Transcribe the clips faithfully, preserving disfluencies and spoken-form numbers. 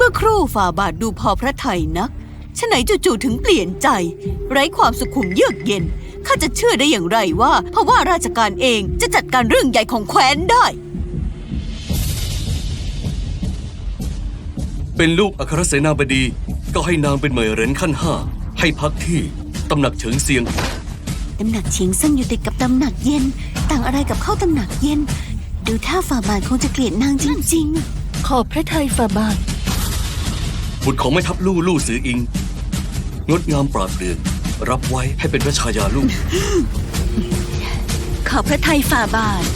มื่อครู่ฝ่าบาทดูพอพระทัยนักฉะไหนจู่ๆถึงเปลี่ยนใจไร้ความสุขุมเยือกเย็นข้าจะเชื่อได้อย่างไรว่าเพราะว่าราชการเองจะจัดการเรื่องใหญ่ของแคว้นได้เป็นลูกอัครเสนาบดีก็ให้นางเป็นเหมยเหรินขั้นห้าให้พักที่ตำหนักเฉิงเซียงตำหนักเฉียงซึ่งอยู่ติดกับตำหนักเย็นต่างอะไรกับเข้าตำหนักเย็นดูท่าฝ่าบาทคงจะเกลียดนางจริงๆขอบพระทัยฝ่าบาทบุตรของแม่ทัพลู่ลู่ซืออิงงดงามปราดเปรื่องรับไว้ให้เป็นพระชายาลูกขอบพระทัยฝ่าบาท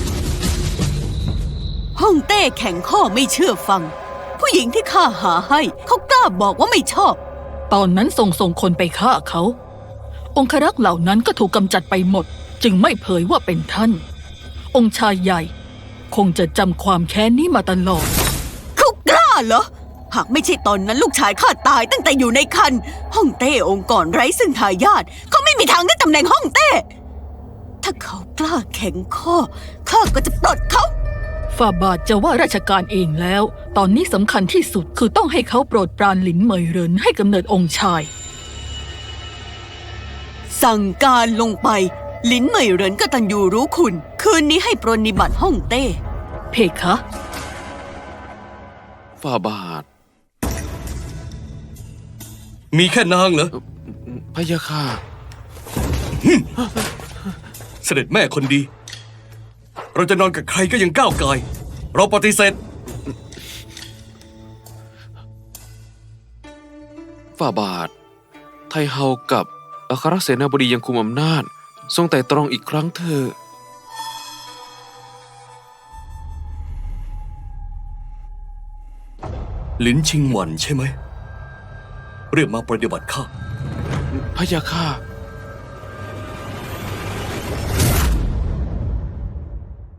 ฮ่องเต้แข็งข้อไม่เชื่อฟังผู้หญิงที่ข้าหาให้เขากล้าบอกว่าไม่ชอบตอนนั้นส่งส่งคนไปฆ่าเขาองครักษ์เหล่านั้นก็ถูกกำจัดไปหมดจึงไม่เผยว่าเป็นท่านองค์ชายใหญ่คงจะจำความแค้นนี้มาตลอดเขากล้าเหรอหากไม่ใช่ตอนนั้นลูกชายข้าตายตั้งแต่อยู่ในครรภ์ฮ่องเต้องค์กรไร้ซึ่งทายาทเขาไม่มีทางได้ตำแหน่งฮ่องเต้ถ้าเขากล้าแข็งข้อข้าก็จะปลดเขาฝ่าบาทจะว่าราชการเองแล้วตอนนี้สำคัญที่สุดคือต้องให้เขาโปรดปรานหลินเหมยเหรินให้กำเนิดองค์ชายสั่งการลงไปหลินเหมยเหรินกตัญญูรู้คุณคืนนี้ให้ปรนนิบัติฮ่องเต้เพคะฝ่าบาทมีแค่นางเหรอพะยะค่ะเสด็จแม่คนดีเราจะนอนกับใครก็ยังก้าวไกลเราปฏิเสธฝ่าบาทไทเฮากับอัครเสนาบดียังคุมอำนาจทรงแต่ตรองอีกครั้งเถอะลินชิงหวันใช่ไหมเรียกมาปฏิบัติข้าพะยะค่ะ